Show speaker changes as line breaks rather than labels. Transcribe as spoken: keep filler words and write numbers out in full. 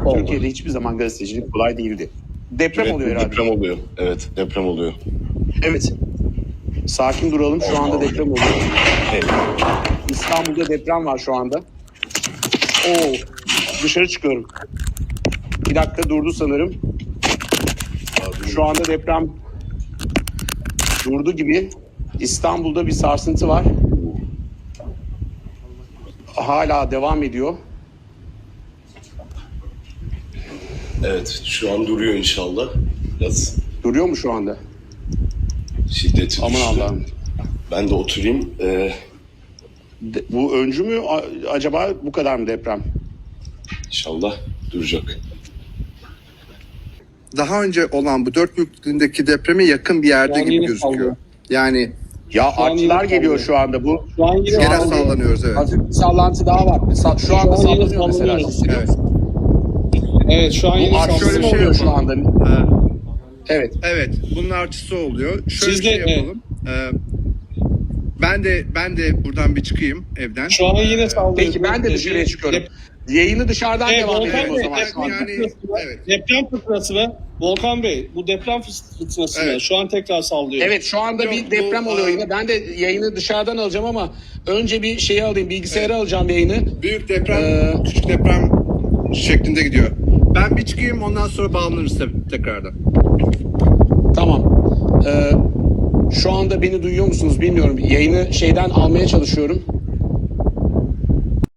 Oldu.
Türkiye'de hiçbir zaman gazetecilik kolay değildi. Deprem
Evet,
oluyor herhalde.
deprem oluyor. Evet, deprem oluyor.
Evet. Sakin duralım. Şu anda deprem oluyor.
Evet.
İstanbul'da deprem var şu anda. Oo. Dışarı çıkıyorum. Bir dakika durdu sanırım. Şu anda deprem durdu gibi. İstanbul'da bir sarsıntı var. Hala devam ediyor.
Evet, şu an duruyor inşallah. Biraz
Duruyor mu şu anda?
şiddeti
Aman
düştü.
Allah'ım.
Ben de oturayım. Ee,
De- bu öncü mü A- acaba bu kadar mı deprem?
inşallah duracak.
Daha önce olan bu dört büyüklüğündeki depreme yakın bir yerde
Yani
gibi
yine
gözüküyor.
sallıyor.
Yani
Ya
Şu an
artçılar
yine
geliyor
sallıyor.
şu anda. Bu
Şu an yine
gene
sallıyor.
sallanıyoruz, evet.
hafif bir sallantı daha var. Sa- Şu anda
an yine
sallanıyor mesela.
sallanıyoruz.
Hissediyor
Evet.
musun?
Evet şu an yine
Bu artçı
şöyle bir
mı
şey
oluyor şu
yapalım.
anda?
Ha,
Evet.
evet, bunun artısı oluyor. Şöyle
Siz
bir şey
de-
yapalım. Ee, ben de ben de buradan bir çıkayım evden.
Şu an yine sallıyor.
Peki ben de dışarıya çıkıyorum. Yayını dışarıdan
Evet,
devam
Volkan
edelim o
Bey,
zaman şu anda.
Yani evet.
Deprem fırtınası mı? Volkan Bey bu deprem fırtınası mı?
Evet.
Şu an tekrar sallıyor.
Evet şu anda
Yok,
bir
bu,
deprem oluyor
aa,
yine. Ben de yayını dışarıdan alacağım ama önce bir şeyi alayım. Bilgisayara alacağım yayını.
Büyük deprem,
Ee,
küçük deprem şeklinde gidiyor. Ben bir çıkayım, ondan sonra bağlanırız tabii tekrardan.
Tamam. Ee, şu anda beni duyuyor musunuz bilmiyorum. Yayını şeyden almaya çalışıyorum.